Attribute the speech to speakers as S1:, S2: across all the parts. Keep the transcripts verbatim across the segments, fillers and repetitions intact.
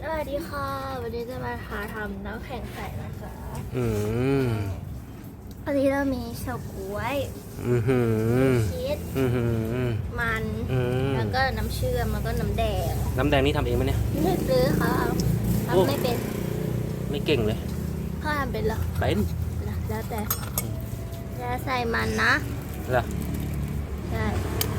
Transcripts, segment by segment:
S1: วัสดีค่ะวันนี้จะมาหาทำน้ำแข็งใสนะคะ
S2: อืม
S1: วันนี้เรามีเฉาก๊วย
S2: อือหือ
S1: ชีส
S2: อือหือ
S1: มัน
S2: อืม
S1: แล้วก็น้ำเชื่อมแล้วก็น้ำแดง
S2: น้ำแดงนี่ทำเองไหมเนี่ย
S1: ไม่ซื้อค่ะ
S2: โอ้
S1: ทำไม่เป็น
S2: ไม่เก่งเลย
S1: พ่อทำเป็นเหรอ
S2: เป็น
S1: แล้วแต่จะใส่มันนะ
S2: เหรอ
S1: ใช่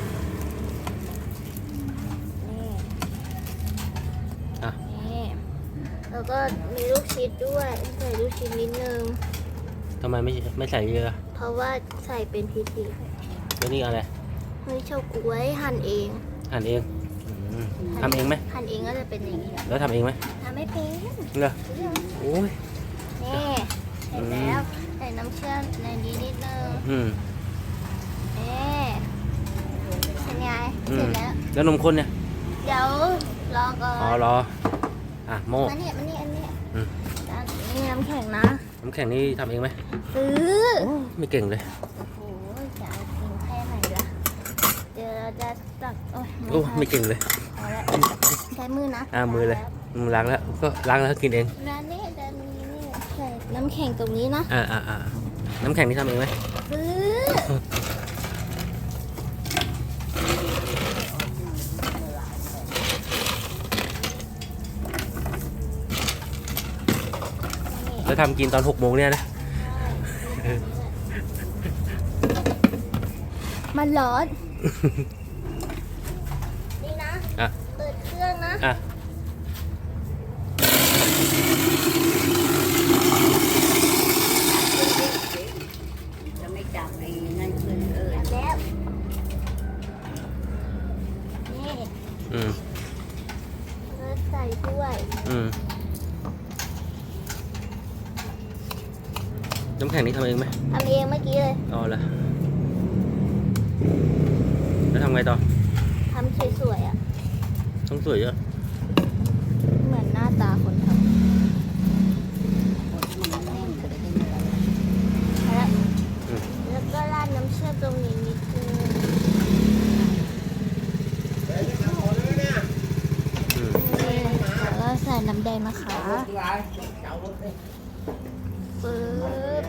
S1: นี่
S2: อ่ะ
S1: นี่แล้วก็มีลูกชิดด้วยใส่ลูกชิดนิดนึง
S2: ทำไมไม่ไม่ใส่เยอะ
S1: เพราะว่าใส่เป็นพิธี
S2: แล้วนี่อะไร
S1: เฮ้ยเฉาก๊วยหั่นเอง
S2: หั่นเองอืมทำเองไหม
S1: หั่นเองก็จะเป็นอย่างนี้
S2: แล้วทำเองไหม
S1: ทำไม่เป็น
S2: เหรอโอ้ย
S1: นี่เสร็จแล้วใส่น้ำเชื่อมในนี้นิดนึง
S2: อืม
S1: นี่เป็นไง
S2: อื
S1: เสร็
S2: ม
S1: จแล้ว
S2: แล้วนมข้นเนี่ย
S1: เดี๋ยวรอก่อ
S2: อ๋อน รออ่ะโม่
S1: มาเนี่ยมาเนี่ยอันนี้
S2: อืม
S1: อันนี้น้ำแข็งนะ
S2: น้ำแข็งนี่ทำเองไหม
S1: ซื้อ
S2: โอ้ไม่เก่งเลย
S1: โอ้โหจะเอากินแค่ไหนล่ะเดี๋ยวเราจะตักโอ้ย
S2: โอ้
S1: ทัน
S2: ไม่เก่งเลย
S1: พอแล้วใช้มือนะ
S2: อ่ามือเลยมือล้างแล้วก็ล้างแล้วก็กินเอง
S1: แล้วนี่จะมีนี่ใส่น้ำแข็งตรงนี้นะ
S2: อ่าอ่าอ่าน้ำแข็งนี่ทำเองไหม
S1: ซื้อ
S2: แล้วทำกินตอนหกโมงเนี่ยนะ
S1: มันร้อน นี่นะ
S2: อ่ะ
S1: เปิดเครื่องนะ
S2: อ่ะ
S3: จะไม่จับไอ้นั่นขึ้นเออ
S1: จับแล้ว นี่
S2: อืม
S1: แล้วใส่ถ้วย
S2: อืมน้ำแข็งนี่ทำเองไหม
S1: ทำเองเมื่อกี้เลย
S2: อ๋อเหรอแล้วทำไงต่อ
S1: ทำสวยๆอ่ะ
S2: ต้องสวยเยอะ
S1: เหมือนหน้าตาคนทำแล้ว
S2: อืม
S1: แล้วก็ราดน้ำเชื่อมตรงนี้นิดนึง
S2: อืม
S1: นี่แล้วก็ใส่น้ำแดงนะคะปึ๊บ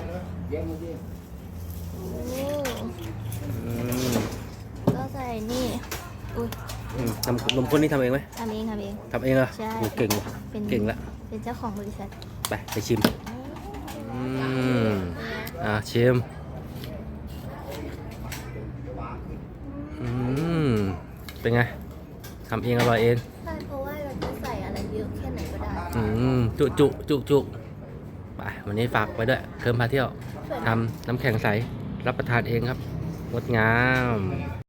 S1: นี่
S2: อืม
S1: ก็ใส่นี่ อุ้ย
S2: อืมนมนมข้นนี่ทำเองไหม
S1: ทำเองทำเอง
S2: ทำเองเหรอ
S1: ใช่
S2: โอ้เก่งว่ะ
S1: เป็น
S2: เก่งละ
S1: เป็นเจ้าของบริษัท
S2: ไปไปชิมอืมอ่าชิมอืมเป็นไงทำเองอร่อยเอง
S1: ใช่เพราะว่าเราจะใส่อะไรเยอะแค่ไหนก็ได้
S2: อืมจุจุจุจุไปวันนี้ฝากไว้ด้วยเคิร์มพาเที่ยวทำน้ำแข็งใสรับประทานเองครับงดงาม